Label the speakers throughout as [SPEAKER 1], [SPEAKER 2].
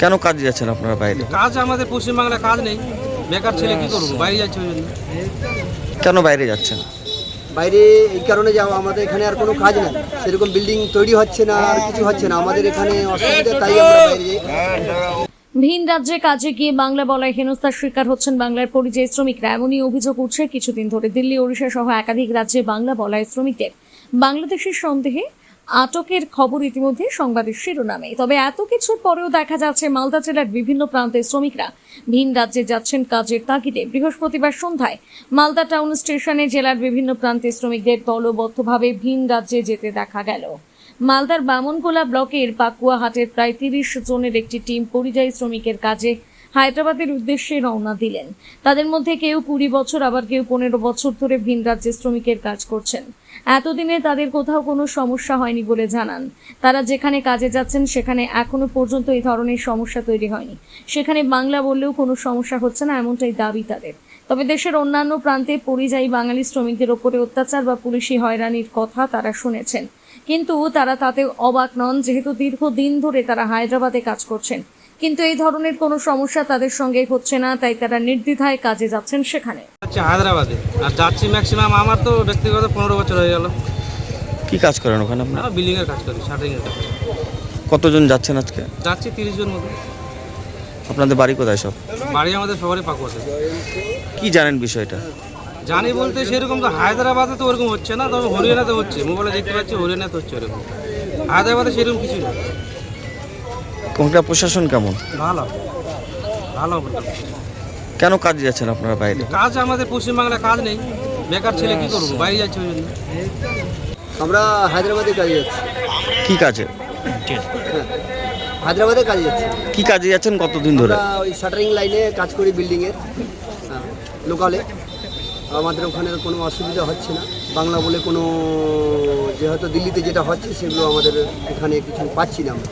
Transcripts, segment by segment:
[SPEAKER 1] কেন কাজে যাচ্ছেন আপনারা বাইরে?
[SPEAKER 2] কাজ আমাদের পশ্চিমবাংলায় কাজ নেই, বেকার ছেলে কি করবো, বাইরে যাচ্ছে ওই জন্য।
[SPEAKER 1] কেন বাইরে যাচ্ছেন?
[SPEAKER 3] বাইরে এই কারণে যাও, আমাদের এখানে আর কোনো কাজ নেই, সেরকম বিল্ডিং তৈরি হচ্ছে না, আর কিছু হচ্ছে না, আমাদের এখানে অসুবিধা, তাই আমরা বাইরে যাই।
[SPEAKER 4] ভিন রাজ্যে কাজে গিয়ে বাংলা বলায় হেনস্থার শিকার হচ্ছেন বাংলার পরিযায়ী শ্রমিকরা। এমনই অভিযোগ উঠছে কিছুদিন ধরে দিল্লি, ওড়িশা সহ একাধিক রাজ্যে বাংলা বলায় শ্রমিকদের বাংলাদেশের সন্দেহে আটকের খবর ইতিমধ্যে সংবাদের শিরোনামে। তবে এত কিছুর পরেও দেখা যাচ্ছে মালদা জেলার বিভিন্ন প্রান্তের শ্রমিকরা ভিন রাজ্যে যাচ্ছেন কাজের তাগিদে। বৃহস্পতিবার সন্ধ্যায় মালদা টাউন স্টেশনে জেলার বিভিন্ন প্রান্তের শ্রমিকদের দলবদ্ধভাবে ভিন রাজ্যে যেতে দেখা গেল। মালদার বামনগোলা ব্লকের পাকুয়াহাটের প্রায় 30 জনের একটি টিম পরিযায়ী শ্রমিকের কাজে হায়দ্রাবাদের উদ্দেশ্যে রওনা দিলেন। তাদের মধ্যে কেউ 20 বছর, আবার কেউ 15 বছর ধরে ভিন রাজ্যে শ্রমিকের কাজ করছেন। এতদিনে তাদের কোথাও কোনো সমস্যা হয়নি বলে জানান। তারা যেখানে কাজে যাচ্ছেন সেখানে এখনো পর্যন্ত এই ধরনের সমস্যা তৈরি হয়নি, সেখানে বাংলা বললেও কোনো সমস্যা হচ্ছে না, এমনটাই দাবি তাদের। তবে দেশের অন্যান্য প্রান্তে পরিযায়ী বাঙালি শ্রমিকদের ওপরে অত্যাচার বা পুলিশি হয়রানির কথা তারা শুনেছেন, কিন্তু তারা তাতে অবাক নন, যেহেতু দীর্ঘদিন ধরে তারা হায়দ্রাবাদে কাজ করছেন। কিন্তু এই ধরনের কোনো সমস্যা তাদের সঙ্গে হচ্ছে না, তাই তারা নির্দ্বিধায় কাজে যাচ্ছেন সেখানে।
[SPEAKER 2] হায়দ্রাবাদে আর যাচ্ছি ম্যাক্সিমাম, আমার তো ব্যক্তিগত 15 বছর হয়ে গেল।
[SPEAKER 1] কি কাজ করেন ওখানে আপনারা?
[SPEAKER 2] আমরা বিল্ডিং এর কাজ করি, শাটারিং এর কাজ।
[SPEAKER 1] কতজন যাচ্ছেন আজকে?
[SPEAKER 2] যাচ্ছি 30 জন মতো।
[SPEAKER 1] আপনাদের বাড়ি কোথায় সব?
[SPEAKER 2] বাড়ি আমাদের সবারই পাকুয়াতে।
[SPEAKER 1] কি জানেন বিষয়টা?
[SPEAKER 2] জানি বলতে সেরকম তো হায়দ্রাবাদে তো ওরকম হচ্ছে না, তবে হরিয়ানাতে হচ্ছে, মোবাইলে দেখতে পাচ্ছি হরিয়ানাতে হচ্ছে ওরকম। হায়দ্রাবাদে সেরকম কিছু না।
[SPEAKER 1] কোনটা প্রশাসন কেমন?
[SPEAKER 2] ভালো ভালো।
[SPEAKER 1] কেন কাজে যাচ্ছেন আপনারা বাইরে?
[SPEAKER 2] কাজ আমাদের পশ্চিমবাংলায় কাজ নেই, বেকার ছেলে কি করবো, বাইরে যাচ্ছে ওই জন্য।
[SPEAKER 3] আমরা হায়দ্রাবাদে কাজে যাচ্ছি।
[SPEAKER 1] কি কাজে?
[SPEAKER 3] হ্যাঁ, হায়দ্রাবাদে কাজে যাচ্ছি।
[SPEAKER 1] কি কাজে যাচ্ছেন কতদিন ধরে?
[SPEAKER 3] আমরা ওই শাটারিং লাইনে কাজ করি, বিল্ডিংয়ের লোকালে। আমাদের ওখানে কোনো অসুবিধা হচ্ছে না, বাংলা বলে কোনো, যে হয়তো দিল্লিতে যেটা হচ্ছে সেগুলো আমাদের এখানে কিছু পাচ্ছি না আমরা।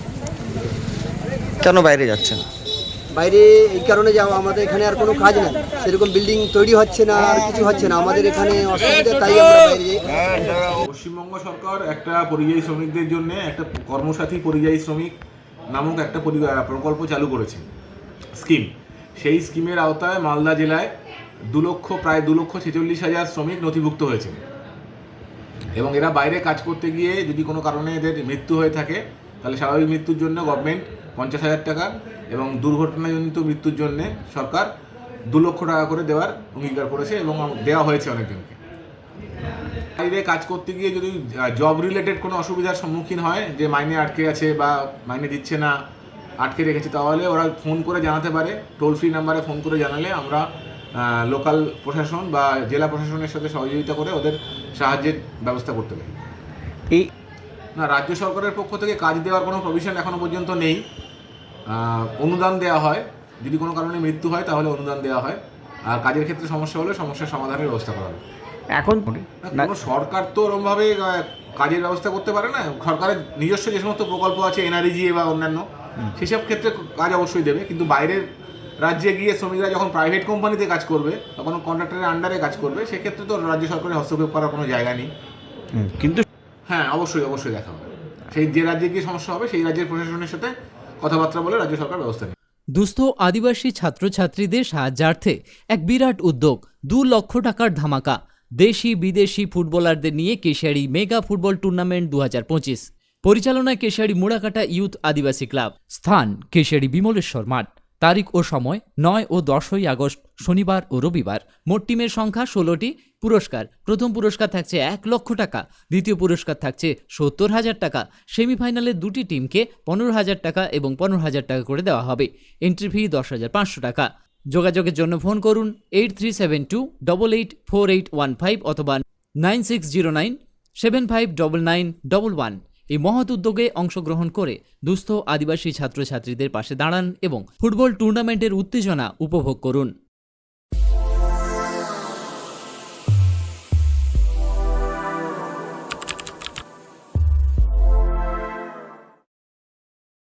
[SPEAKER 1] কেন বাইরে যাচ্ছেন?
[SPEAKER 3] বাইরে এই কারণে যাও, আমাদের এখানে আর কোনো কাজ নেই, সেরকম বিল্ডিং তৈরি হচ্ছে না, আর কিছু হচ্ছে না, আমাদের এখানে অসুবিধা, তাই আমরা বাইরে যাই।
[SPEAKER 5] পশ্চিমবঙ্গ সরকার একটা পরিযায়ী শ্রমিকদের জন্য একটা কর্মসাথী পরিযায়ী শ্রমিক নামক একটা প্রকল্প চালু করেছে, স্কিম। সেই স্কিমের আওতায় মালদা জেলায় প্রায় 2,46,000 শ্রমিক নথিভুক্ত হয়েছে, এবং এরা বাইরে কাজ করতে গিয়ে যদি কোনো কারণে এদের মৃত্যু হয়ে থাকে, তাহলে স্বাভাবিক মৃত্যুর জন্য গভর্নমেন্ট 50,000 টাকা এবং দুর্ঘটনাজনিত মৃত্যুর জন্য সরকার 2 লক্ষ টাকা করে দেওয়ার অঙ্গীকার করেছে এবং দেওয়া হয়েছে অনেকজনকে। বাইরে কাজ করতে গিয়ে যদি জব রিলেটেড কোনো অসুবিধার সম্মুখীন হয়, যে মাইনে আটকে আছে বা মাইনে দিচ্ছে না, আটকে রেখেছে, তাহলে ওরা ফোন করে জানাতে পারে। টোল ফ্রি নাম্বারে ফোন করে জানালে আমরা লোকাল প্রশাসন বা জেলা প্রশাসনের সাথে সহযোগিতা করে ওদের সাহায্যের ব্যবস্থা করতে পারি।
[SPEAKER 1] এই
[SPEAKER 5] না, রাজ্য সরকারের পক্ষ থেকে কাজ দেওয়ার কোনো প্রভিশন এখনও পর্যন্ত নেই। অনুদান দেওয়া হয়, যদি কোনো কারণে মৃত্যু হয় তাহলে অনুদান দেওয়া হয়, আর কাজের ক্ষেত্রে সমস্যা হলে সমস্যার সমাধানের ব্যবস্থা করা হয়।
[SPEAKER 1] এখন
[SPEAKER 5] কোনো সরকার তো ওরমভাবে কাজের ব্যবস্থা করতে পারে না। সরকারের নিজস্ব যে সমস্ত প্রকল্প আছে, এনআরইজি বা অন্যান্য, সেসব ক্ষেত্রে কাজ অবশ্যই দেবে, কিন্তু বাইরের রাজ্যে গিয়ে শ্রমিকরা যখন প্রাইভেট কোম্পানিতে কাজ করবে বা কোনো কন্ট্রাক্টরের আন্ডারে কাজ করবে, সেক্ষেত্রে তো রাজ্য সরকারের হস্তক্ষেপ করার কোনো জায়গা নেই।
[SPEAKER 1] কিন্তু
[SPEAKER 5] হ্যাঁ, অবশ্যই দেখা হবে। সেই যে রাজ্যে গিয়ে সমস্যা হবে সেই রাজ্যের প্রশাসনের সাথে কথাবার্তা বলে রাজ্য সরকার ব্যবস্থা নেবে।
[SPEAKER 6] দুস্থ আদিবাসী ছাত্রছাত্রীদের সাহায্যার্থে এক বিরাট উদ্যোগ, 2 লক্ষ টাকার ধামাকা। দেশি বিদেশি ফুটবলারদের নিয়ে কেশিয়াড়ি মেগা ফুটবল টুর্নামেন্ট 2025, পরিচালনায় কেশিয়াড়ি মুড়াকাটা ইউথ আদিবাসী ক্লাব, স্থান কেশিয়াড়ি বিমলেশ্বর মাঠ। তারিখ ও সময় 9 ও 10ই আগস্ট, শনিবার ও রবিবার। মোট টিমের সংখ্যা 16টি। পুরস্কার: প্রথম পুরস্কার থাকছে 1 লক্ষ টাকা, দ্বিতীয় পুরস্কার থাকছে 70,000 টাকা। সেমিফাইনালে 2টি টিমকে 15,000 টাকা এবং 15,000 টাকা করে দেওয়া হবে। এন্ট্রি ফি 10,500 টাকা। যোগাযোগের জন্য ফোন করুন 8372884815 অথবা 9609759911। এই মহৎ উদ্যোগে অংশগ্রহণ করে দুস্থ আদিবাসী ছাত্রছাত্রীদের পাশে দাঁড়ান এবং ফুটবল টুর্নামেন্টের উত্তেজনা উপভোগ করুন।